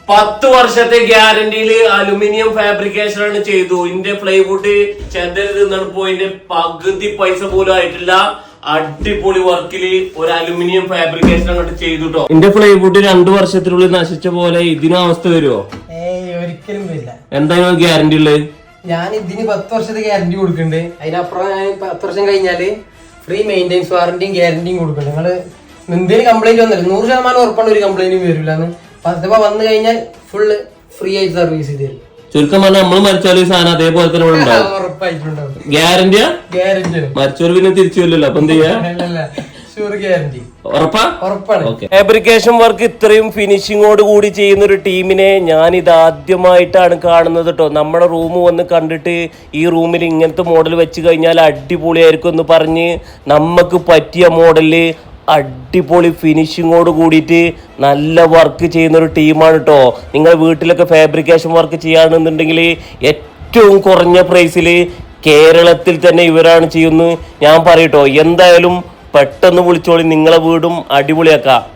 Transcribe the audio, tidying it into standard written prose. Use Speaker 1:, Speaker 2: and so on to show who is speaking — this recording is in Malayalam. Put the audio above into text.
Speaker 1: 10 വർഷത്തെ ഗ്യാരണ്ടിയില് അലുമിനിയം ഫാബ്രിക്കേഷൻ ആണ് ചെയ്തു. ഇതിന്റെ പ്ലൈവുഡ് ചെതൽ നിന്നാണ് പോയിന്റെ പകുതി പൈസ പോലും ആയിട്ടില്ല. അടിപൊളി വർക്കില് ഒരു അലുമിനിയം ഫാബ്രിക്കേഷൻ അങ്ങോട്ട് ചെയ്തു കേട്ടോ. ഇതിന്റെ പ്ലൈവുഡ് 2 വർഷത്തിനുള്ളിൽ നശിച്ച പോലെ ഇതിനും അവസ്ഥ വരുമോ?
Speaker 2: ഒരിക്കലും വരില്ല.
Speaker 1: എന്തായാലും ഗ്യാരണ്ടി ഉള്ളത്?
Speaker 2: ഞാൻ ഇതിന് 10 വർഷത്തെ ഗ്യാരണ്ടി കൊടുക്കുന്നുണ്ട്. അതിനപ്പുറം ഞാൻ 10 വർഷം കഴിഞ്ഞാല് ഫ്രീ മെയിൻ്റെനൻസ് വാറന്റിയും ഗ്യാരണ്ടിയും കൊടുക്കുന്നുണ്ട്. നിങ്ങള് എന്തെങ്കിലും കംപ്ലൈന്റ് വന്നില്ല 100% ഉറപ്പാണ് ഒരു കംപ്ലൈന്റും വരില്ലാന്ന്. അഥവാ വന്നു കഴിഞ്ഞാൽ ഫുള്ള് ഫ്രീ ആയിട്ട് സർവീസ് ചെയ്ത് തരും.
Speaker 1: ചുരുക്കം പറഞ്ഞാൽ നമ്മൾ മരിച്ചാലും ഈ സാധനം അതേപോലെ തന്നെ
Speaker 2: ഉറപ്പായിട്ടുണ്ടാവും.
Speaker 1: ഗ്യാരണ്ടിയാ?
Speaker 2: ഗ്യാരണ്ടി.
Speaker 1: മരിച്ചവർ പിന്നെ തിരിച്ചു വരില്ലല്ലോ, അപ്പൊ എന്ത് ചെയ്യാ? ഫാബ്രിക്കേഷൻ വർക്ക് ഇത്രയും ഫിനിഷിങ്ങോട് കൂടി ചെയ്യുന്ന ഒരു ടീമിനെ ഞാൻ ഇത് ആദ്യമായിട്ടാണ് കാണുന്നത് കേട്ടോ. നമ്മുടെ റൂം വന്ന് കണ്ടിട്ട് ഈ റൂമിൽ ഇങ്ങനത്തെ മോഡൽ വെച്ച് കഴിഞ്ഞാൽ അടിപൊളിയായിരിക്കും എന്ന് പറഞ്ഞ് നമുക്ക് പറ്റിയ മോഡല് അടിപൊളി ഫിനിഷിങ്ങോട് കൂടിയിട്ട് നല്ല വർക്ക് ചെയ്യുന്ന ഒരു ടീമാണ് കേട്ടോ. നിങ്ങൾ വീട്ടിലൊക്കെ ഫാബ്രിക്കേഷൻ വർക്ക് ചെയ്യുകയാണെന്നുണ്ടെങ്കിൽ ഏറ്റവും കുറഞ്ഞ പ്രൈസിൽ കേരളത്തിൽ തന്നെ ഇവരാണ് ചെയ്യുന്നത്. ഞാൻ പറയട്ടോ, എന്തായാലും പെട്ടെന്ന് വിളിച്ചോളി, നിങ്ങളെ വീടും അടിപൊളിയാക്കാം.